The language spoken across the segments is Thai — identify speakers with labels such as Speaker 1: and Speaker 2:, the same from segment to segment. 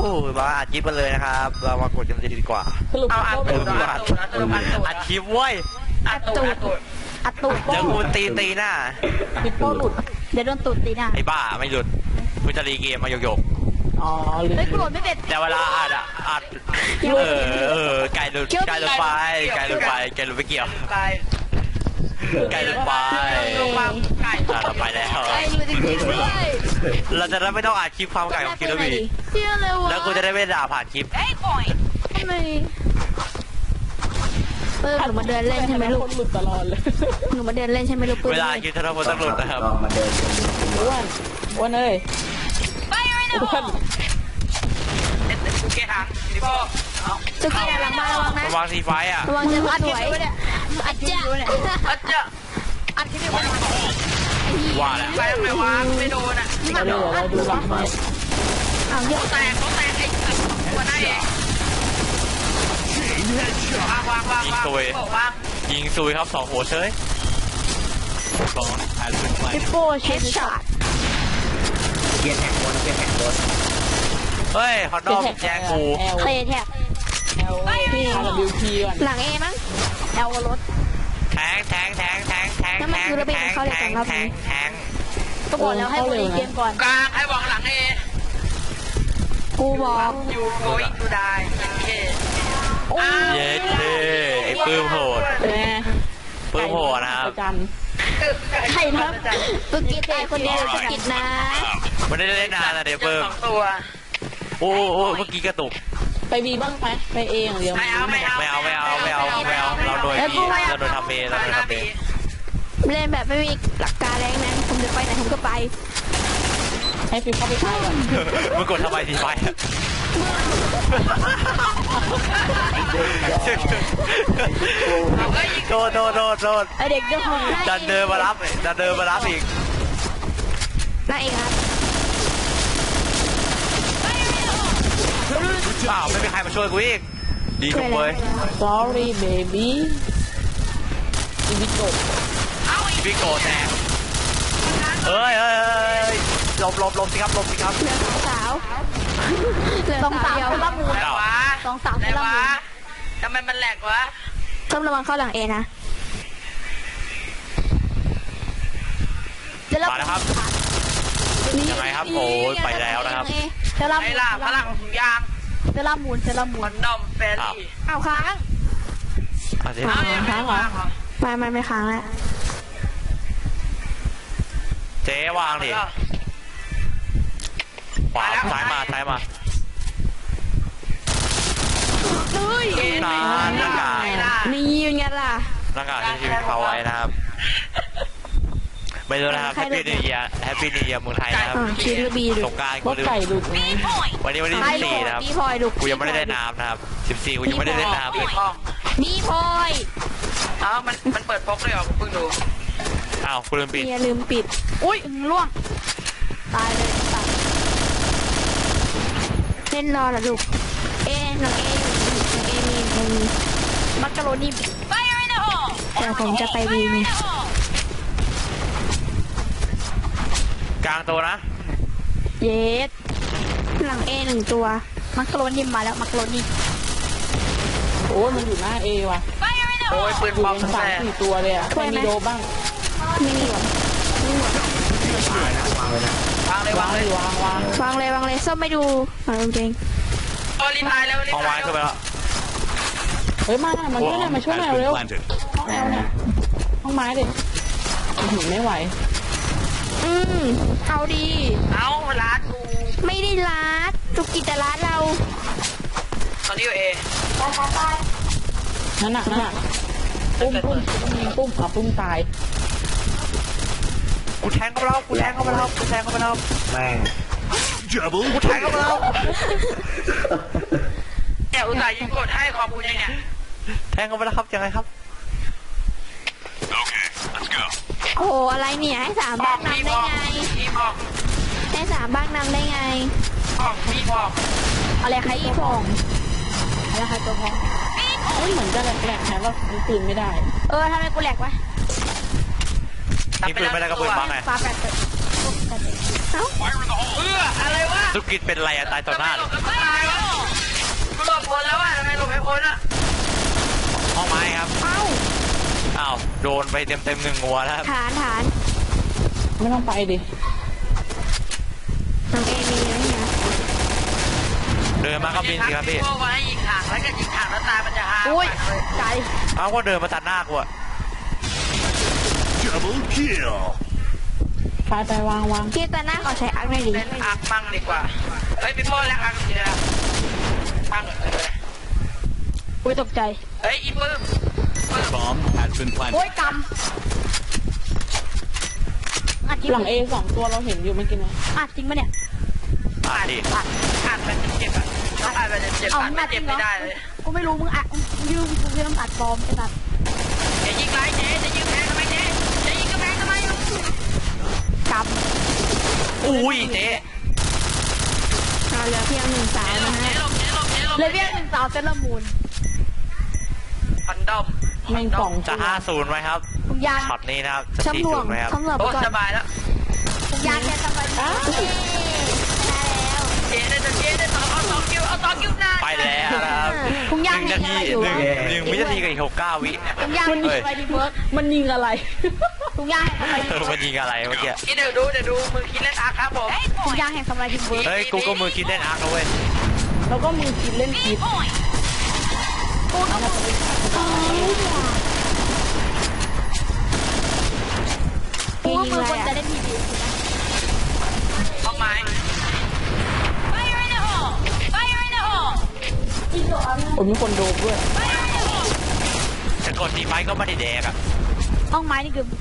Speaker 1: มาอัดคลิปกันเลยนะครับเรามากดกันจะดีกว่า
Speaker 2: เอาอัดตูด
Speaker 1: อัดคลิปเว้ย
Speaker 2: อัดตูด
Speaker 1: เดี๋ยวกูตีหน้า
Speaker 3: ปิดโป้หลุด
Speaker 4: เดี๋ยวโดนตูดตีหน้า
Speaker 1: ไอ้บ้าไม่หลุดกูจะรีเกมมาโยก
Speaker 3: อ๋อลืม
Speaker 4: เฮ้ยกูโหลดไม่เป็น
Speaker 1: แต่เวลาอัดไก่หลุดไปไก่หลุดไปเกี่ยว
Speaker 2: ไก่
Speaker 1: ไก่หลุดไป
Speaker 2: ลงมาไก่
Speaker 1: เราไปแล้ว
Speaker 4: ไอ้รู้จริงๆด้วย
Speaker 1: เราจะได้ไม่ต้องอัดคลิปความไก่ของคิโนบิ
Speaker 4: เชื่อเลยวะ
Speaker 1: แล้วกูจะได้ไม่ด่าผ่านคลิป
Speaker 4: ทำไมหนูมาเดินเล่นใช่ไหมลูก
Speaker 3: คนหลุดตลอดเลย
Speaker 4: หนูมาเดินเล่นใช่ไหมลูกปืน
Speaker 1: เวลาคลิปธนพลต้องหลุดนะครับ
Speaker 5: มาเดิน
Speaker 3: อ้วนเอ้ยอ้วน
Speaker 2: โอเคทางนี่พ่อ
Speaker 4: จุกี้หลังมาระวังนะ
Speaker 1: ระวังซีไฟอ่ะ
Speaker 4: ระวังจะอัดสวยอัดจ้า
Speaker 2: อัดจะอัดที่นี่มัน
Speaker 1: ว่าแล้ว
Speaker 2: ไปทำไมวะไม่โดนอ่ะ
Speaker 3: เดี๋ยวเราดูหลังให้
Speaker 4: เอาเยอะ
Speaker 2: แตกเขาแตกไอ้ตัวได้เองวาง
Speaker 1: ยิงซุยครับ2 หัวเฉย
Speaker 4: ปิโป้เฮดช็อต
Speaker 5: เกียร์แท็กบน
Speaker 1: เฮ้ยฮอตดอกแจ้งกู
Speaker 4: เคยแท็บ
Speaker 3: LWP ก่อน
Speaker 4: หลังเอมั้งเอลรถ
Speaker 1: แทง
Speaker 4: ก็บอกแล้วให้บริเกมก่อน
Speaker 2: กลางให้วางหลังเอ
Speaker 4: กูบอก
Speaker 2: อยู่โกยตูได้เย่
Speaker 1: เย็ดเท่ไอ้ปื้มโหด ปื้มโหดนะครับ
Speaker 3: จัน
Speaker 4: ใครครับตุกิตไอคนเดียวตุกิตนะ
Speaker 1: ไม่ได้เล่นนานนะเดี๋ยวปื้ม
Speaker 2: ตัว
Speaker 1: โอ้เมื่อกี้กระตุก
Speaker 3: ไปบีบ้างไหมไปเองเดียว
Speaker 1: ไม่เอาเราโดยพี่เราโดยทำเองเราโดยทำเอง
Speaker 4: เล่นแบบไม่มีหลักการแรงนะผมจะไปไหนผมก็ไป
Speaker 3: ให้ฟิวเข้าไปใช้ก่อน
Speaker 1: มึงกดทำไมทีไฟโดน
Speaker 4: ไอเด็กเด็กของ
Speaker 1: ดันเดินมารับอีก
Speaker 4: น่าเองครับ
Speaker 1: เปล่าไม่มีใครมาช่วยกูอีกดีจังเว้ย
Speaker 3: sorry baby อีวิโก
Speaker 1: พี่โกแตกเฮ้ยหลบสิครับ
Speaker 4: เหลือสาวเดียวละมูน
Speaker 2: อะไรวะ
Speaker 4: สองสาว
Speaker 2: อะไร
Speaker 4: ละ
Speaker 2: วะ
Speaker 4: มูน
Speaker 2: ทำไมมันแหลกวะ
Speaker 4: ต้องระวังเข้าหลังเอนะจะรับ
Speaker 1: มาแล้วครับยังไงครับโอ้ยไปแล้วนะครับ
Speaker 4: จะรับ
Speaker 2: ไอ้ล่ะพลังถุงยาง
Speaker 4: จะรับมูน
Speaker 2: มันดอมเฟรลี่
Speaker 4: เอาค้าง
Speaker 1: เอาสิ
Speaker 2: ยังไม่วางเหรอ
Speaker 4: ไม่ค้างแล้ว
Speaker 1: เจ๊วางดิขวาซ้ายมา
Speaker 4: เฮ้ย
Speaker 1: หน้ากาก
Speaker 4: นี่ยังไงล่ะ
Speaker 1: หน้ากากที่ชีวิตเขาไว้นะครับไม่รู้นะครับแฮปปี้นิวเยียร์เมืองไทยนะครับ
Speaker 4: คิดระบีดู
Speaker 1: สงกรานต์
Speaker 3: พ
Speaker 1: กู
Speaker 3: วก
Speaker 1: ลืม
Speaker 3: ไก่หลุดไง
Speaker 1: วันนี้วันที่14นะครับ
Speaker 4: พี่พลอยดู
Speaker 1: กูยังไม่ได้เล่นน้ำนะครับ14กูยังไม่ได้เล่นน้ำเลย
Speaker 2: ห้อง
Speaker 4: พี่พลอย
Speaker 2: เอ้ามันเปิดพกเลยเหรอเพิ่งดู
Speaker 1: อ้าวกูลืมปิด
Speaker 4: อย่าลืมปิดอุ้ยล่วงตายเลยตัดเล่นรอนะลูกน้องเอมีมักกะโรนีแต่ผมจะไปวีไง
Speaker 1: กลางตัวนะ
Speaker 4: เยสหลังเอ1 ตัวมักกะโรนีมาแล้วมักกะโรนี
Speaker 3: โอ้ยมันอยู่หน้าเอว่ะ
Speaker 2: โอ้ยปืน
Speaker 3: อยู่
Speaker 2: ปลอม
Speaker 3: เป็น
Speaker 2: แส
Speaker 3: 3-4 ตัวเลยอ่ะไม่มีโดบ้าง
Speaker 4: ไม่มีหรอ
Speaker 5: วางเลยนะ
Speaker 2: วางเลยวางเลย
Speaker 3: วาง
Speaker 4: วางเลยส้มไม่ดูเอาจริง
Speaker 2: โอ้รีพายแล้วรี
Speaker 1: ห้อง
Speaker 2: พา
Speaker 1: ไว้
Speaker 2: ย
Speaker 1: ขึ้นไปแล้ว
Speaker 3: เฮ้ยมาช่วยหน่อยเร็วห้องไม้ดิไม่ไหว
Speaker 4: เอาดี
Speaker 2: เอาร้านกู
Speaker 4: ไม่ได้รัดจุกกิจแต่รัดเรา
Speaker 2: ตอนนี้อยู่เอ
Speaker 3: นั่นน่ะปุ้มปุ้มตาย
Speaker 1: กูแทงเข้าไปแล้ว
Speaker 5: แม่ง
Speaker 1: กูแทงเข้าไปแล้ว
Speaker 2: แกอุตส่าห์ยิงกดให้ขอบคุณยังเนี่ย
Speaker 1: แทงเข้าไปแล้วครับยังไงครับ
Speaker 4: โอ้โหอะไรเนี่ยให้3 บ้างนำได้ไง
Speaker 2: พี่พอก
Speaker 4: ให้3 บ้างนำได้ไง
Speaker 2: พี่พอก
Speaker 4: อะไรใครอีฟองอะไรใครตัวพอง
Speaker 3: เหมือนจะแหลกๆนะว่าปืนไม่ได้
Speaker 4: ทำไมกูแหลกวะ
Speaker 1: นี่ปืนไม่ได้ก็ปืนบังไง
Speaker 4: ฟ้าแปดเอ้า
Speaker 2: อะไรวะ
Speaker 1: ธุรกิจเป็นไรอะตายต่อหน้าเลย
Speaker 2: ตายกูหลบคนแล้วอ่ะทำไมหลบไม่พ้นอ่ะ
Speaker 1: ห้องไม้ครับอ้าวโดนไปเต็มหนึ่งหัวแล้วครับ
Speaker 4: ฐาน
Speaker 3: ไม่ต้องไปดิ
Speaker 4: น้องเอมีไหมเนี่ย
Speaker 1: เดินมาก็บินสิครับพี่
Speaker 2: พวกไว้ยิงถังแล้วก็ยิงถังแล้วตายมันจะหา
Speaker 4: อุ้ยใจ
Speaker 1: เอาก็เดินมาตัดหน้ากูอะ
Speaker 6: Double kill.
Speaker 3: ไปวาง
Speaker 4: ที่ตาหน้าขอใช้อักหน่อยดิ
Speaker 2: เล่นอักมั่งดีกว่าเฮ้ยพี่โป้แล้วอักทีเดียวมั่งเลย
Speaker 4: อุ้ยตกใจ
Speaker 2: เฮ้ยอีปื้ม
Speaker 6: Bomb has been
Speaker 4: โอ้
Speaker 6: planted.
Speaker 4: ยกำอัดจริง
Speaker 3: หลัง A 2 ตัวเราเห็นอยู่เมื่อกี้นะ
Speaker 4: อัดจริงปะเนี่ย
Speaker 1: อ่าดิ
Speaker 2: อัดมันเจ็บอ่ะอัดมันเจ็บ
Speaker 4: เอา
Speaker 2: อัด
Speaker 4: มึง
Speaker 2: มั
Speaker 4: อั
Speaker 2: น
Speaker 4: ดจ
Speaker 2: เจ็
Speaker 4: ริ
Speaker 2: บ
Speaker 4: งเหร
Speaker 2: ไม่
Speaker 4: อ
Speaker 2: ได้เลย
Speaker 4: กูไม่รู้มึงอัดมึงต้องอัดปลอมไอ้สัตว์
Speaker 2: อย่ายิงไรเจ๊จะยิงแพงทำไมเจ๊จะยิงกระแพงทำไม
Speaker 4: ก
Speaker 1: อุ้ยเจ๊
Speaker 4: ำเราเหลือเพียง1 สาว
Speaker 2: เจ๊หล
Speaker 4: นะ
Speaker 2: บ
Speaker 4: ฮะ
Speaker 2: เจ๊หลบเจ๊หลบเจ๊หลบ
Speaker 4: เหลือเพียง1 สาวเซเลอร์มูน
Speaker 2: ฟันดอม
Speaker 3: แม่งกล่อง
Speaker 1: จะ5-0ไหมครับ
Speaker 4: ทุกอย่าง
Speaker 1: ช็อตนี้นะครับจะ
Speaker 4: ช้ำหน่วง
Speaker 1: 4-0ไหมครับ
Speaker 4: ช้ำหน่วง
Speaker 2: โอ้
Speaker 4: ไปก่อน
Speaker 2: สบายแล้ว
Speaker 4: ทุกอย่างแค่สบายดีได้แล้ว
Speaker 2: เจ๊ได้ต่อเอา2 คิวเอา2 คิวหน้า
Speaker 1: ไปแล้วนะครับ
Speaker 4: ทุกอย่าง
Speaker 1: 1 นาที
Speaker 4: ให้อะไรอยู่
Speaker 1: หนึ่งวินาทีกับอีก69 วิ
Speaker 4: ทุกอย่าง
Speaker 3: มัน
Speaker 4: ให้สบายดีเวิร์ก
Speaker 3: มันยิงอะไร
Speaker 4: ทุกอย่างให้สบายดี
Speaker 1: มันยิงอะไรเมื่อกี้
Speaker 2: เดี๋ยวดูมือคิดเล่นอาร์ครับผม
Speaker 4: ทุกอย่างให้สบายดีเวิร์ก
Speaker 1: เฮ้ยกูก็มือคิดเล่นอาร์คนะเว้ย
Speaker 3: แล้วก็มือคิดเล่นคิด
Speaker 4: กูว่ามือคนจะได้ดีดีสินะ
Speaker 2: ห้องไม้
Speaker 3: ผมมีคนโดบด้วย
Speaker 1: จะกดดีไฟก็ไม่ได้แดกอะ
Speaker 4: ห้องไม้นี่คือ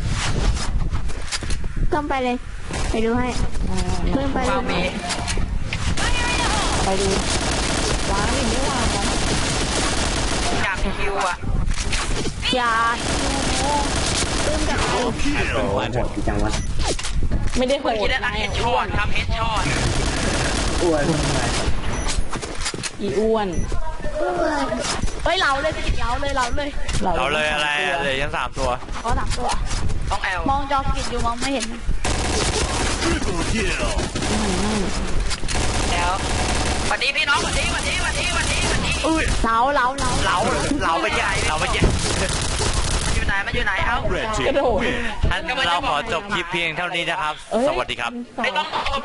Speaker 4: ต้องไปเลยไปดูให้เพิ่มไปเล
Speaker 2: วางมี
Speaker 4: ย
Speaker 3: ไปดูวางดิไม่วางนะ
Speaker 2: อยากคิวอ่ะ
Speaker 4: อย่าเพิ่มกับ
Speaker 6: Double
Speaker 5: โอ้โห
Speaker 6: kill.
Speaker 5: โหดจังวะ
Speaker 3: ไม่ได้โห
Speaker 2: มือ
Speaker 3: ด
Speaker 2: คิดเล่นอาร์เฮดช็อตครับเฮดช็อต
Speaker 5: อ้วนทำไม
Speaker 3: อีอ้วน
Speaker 4: เฮ้ยเราเลยสิเราเลย
Speaker 1: เราเลยอะไรอะเลยยัง3 ตัว
Speaker 4: ขอ3 ตัว
Speaker 2: ต้องแอล
Speaker 4: มองจอกิดอยู่มองไม่เห็น
Speaker 6: Triple kill.
Speaker 2: แล้ววันนี้พี่น้องวันนี้
Speaker 1: เราไปใหญ่เราไปใหญ่
Speaker 2: มันอยู่ไหนเอ้า
Speaker 6: Red
Speaker 3: กระ
Speaker 6: team
Speaker 3: โดด
Speaker 6: win.
Speaker 1: ท่านเราขอจบคลิปเพียงเท่านี้นะครับ สวัสดีครับ
Speaker 3: เอ้ย
Speaker 2: ไม่ต้อง